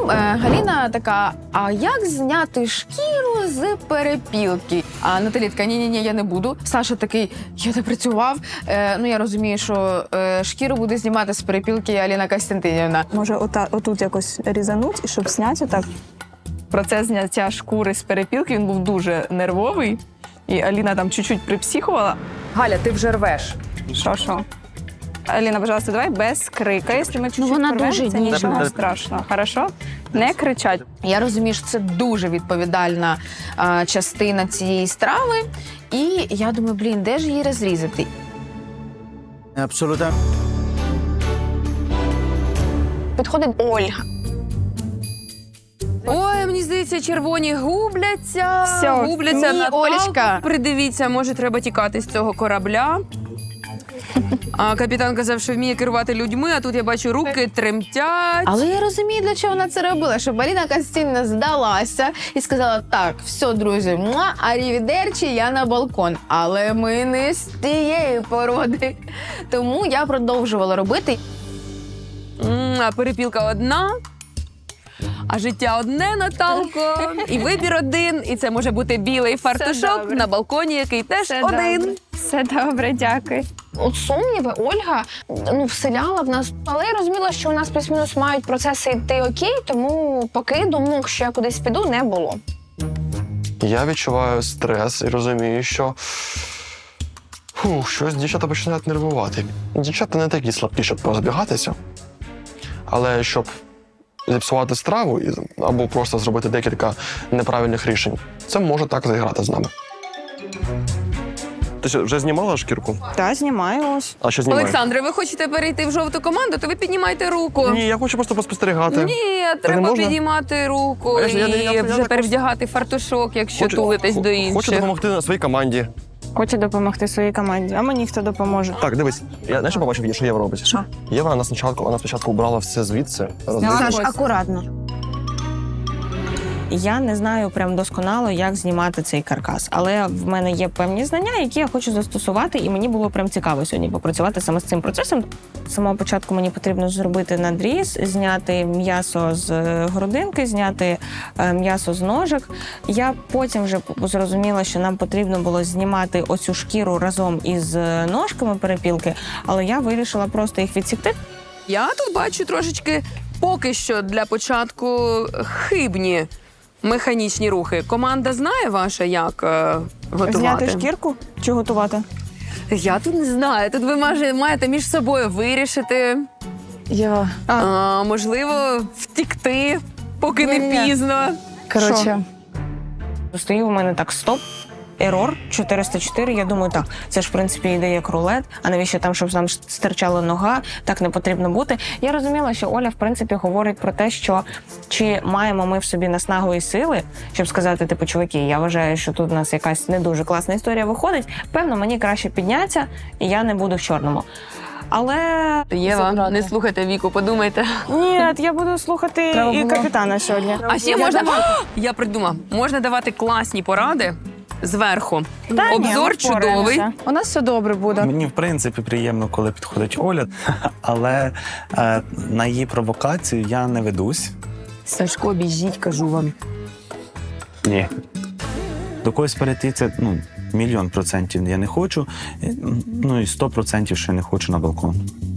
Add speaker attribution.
Speaker 1: Галіна така, а як зняти шкіру з перепілки? А Наталі така, ні-ні-ні, я не буду. Саша такий, я не працював. Я розумію, що шкіру буде знімати з перепілки Аліна Костянтинівна.
Speaker 2: Може, отут якось різануть, і щоб зняти так. Процес зняття шкури з перепілки, він був дуже нервовий. І Аліна там чуть-чуть припсихувала.
Speaker 1: Галя, ти вже рвеш.
Speaker 2: Що? Аліна, пожалуйста, давай без крика. Якщо ми чуть-чуть
Speaker 1: вона
Speaker 2: порвемо,
Speaker 1: дуже
Speaker 2: це
Speaker 1: ніжна.
Speaker 2: нічого страшного. Хорошо? Не кричать.
Speaker 1: Я розумію, що це дуже відповідальна частина цієї страви. І я думаю, де ж її розрізати?
Speaker 3: Абсолютно.
Speaker 1: Підходить Ольга.
Speaker 4: Ой, мені здається, червоні губляться.
Speaker 2: Всьо.
Speaker 1: Ні,
Speaker 4: Наталку.
Speaker 1: Олечка.
Speaker 4: Придивіться, може, треба тікати з цього корабля. А капітан казав, що вміє керувати людьми, а тут я бачу, руки тремтять.
Speaker 1: Але я розумію, для чого вона це робила, щоб Аліна Костянтинівна здалася і сказала, так, все, друзі, арівідерчі, я на балкон. Але ми не з тієї породи. Тому я продовжувала робити.
Speaker 4: А перепілка одна, а життя одне, Наталко. І вибір один, і це може бути білий фартушок
Speaker 2: добре.
Speaker 4: на балконі, який теж один.
Speaker 2: Все добре, дякую.
Speaker 5: От сумніви Ольга вселяла в нас, але я розуміла, що у нас плюс-мінус мають процеси йти окей, тому поки думок, що я кудись піду, не було.
Speaker 6: Я відчуваю стрес і розумію, що щось дівчата починають нервувати. Дівчата не такі слабкі, щоб позбігатися, але щоб зіпсувати страву або просто зробити декілька неправильних рішень, це може так зіграти з нами. Ти що, вже знімала шкірку?
Speaker 2: Так, знімаю ось.
Speaker 6: А що знімаєш?
Speaker 4: Олександре, ви хочете перейти в жовту команду, то ви піднімайте руку.
Speaker 6: Ні, я хочу просто поспостерігати.
Speaker 4: Ні,
Speaker 6: не
Speaker 4: треба
Speaker 6: можна?
Speaker 4: підіймати руку
Speaker 6: Я
Speaker 4: і вже
Speaker 6: так
Speaker 4: перевдягати фартушок, якщо тулитесь до інших.
Speaker 6: Хочу допомогти на своїй команді.
Speaker 2: Хочу допомогти своїй команді, а мені хто допоможе?
Speaker 6: Так, дивись, я знаєш, що побачив, що Єва робить?
Speaker 2: Що?
Speaker 6: Єва, вона спочатку убрала все звідси.
Speaker 2: Саш,
Speaker 1: акуратно.
Speaker 7: Я не знаю прям досконало, як знімати цей каркас, але в мене є певні знання, які я хочу застосувати, і мені було прям цікаво сьогодні попрацювати саме з цим процесом. З самого початку мені потрібно зробити надріз, зняти м'ясо з грудинки, зняти м'ясо з ножок. Я потім вже зрозуміла, що нам потрібно було знімати оцю шкіру разом із ножками перепілки, але я вирішила просто їх відсікти.
Speaker 4: Я тут бачу трошечки поки що для початку хибні механічні рухи. Команда знає ваша, як готувати?
Speaker 2: Зняти шкірку чи готувати?
Speaker 4: Я тут не знаю. Тут ви маєте між собою вирішити.
Speaker 1: Єва.
Speaker 4: Можливо, втікти, поки не
Speaker 2: Ні-ні.
Speaker 4: пізно.
Speaker 1: Коротше.
Speaker 7: Стоїть у мене так, стоп, ерор, 404, я думаю, так, це ж, в принципі, йде як рулет, а навіщо там, щоб нам стирчала нога, так не потрібно бути. Я розуміла, що Оля, в принципі, говорить про те, що чи маємо ми в собі наснагу і сили, щоб сказати, типу, чуваки, я вважаю, що тут у нас якась не дуже класна історія виходить, певно, мені краще піднятися, і я не буду в чорному. Але...
Speaker 4: Єва, не слухайте Віку, подумайте.
Speaker 2: Ні, я буду слухати і капітана сьогодні.
Speaker 4: А ще можна... Я придумав. Можна давати класні поради зверху.
Speaker 2: Та ні,
Speaker 4: Обзор
Speaker 2: ми
Speaker 4: чудовий.
Speaker 2: впораємося. У нас все добре буде.
Speaker 3: Мені, в принципі, приємно, коли підходить Оля, але на її провокацію я не ведусь.
Speaker 4: Сашко, біжіть, кажу вам.
Speaker 3: Ні. До когось перейти це, 1,000,000% я не хочу, і 100% ще не хочу на балкон.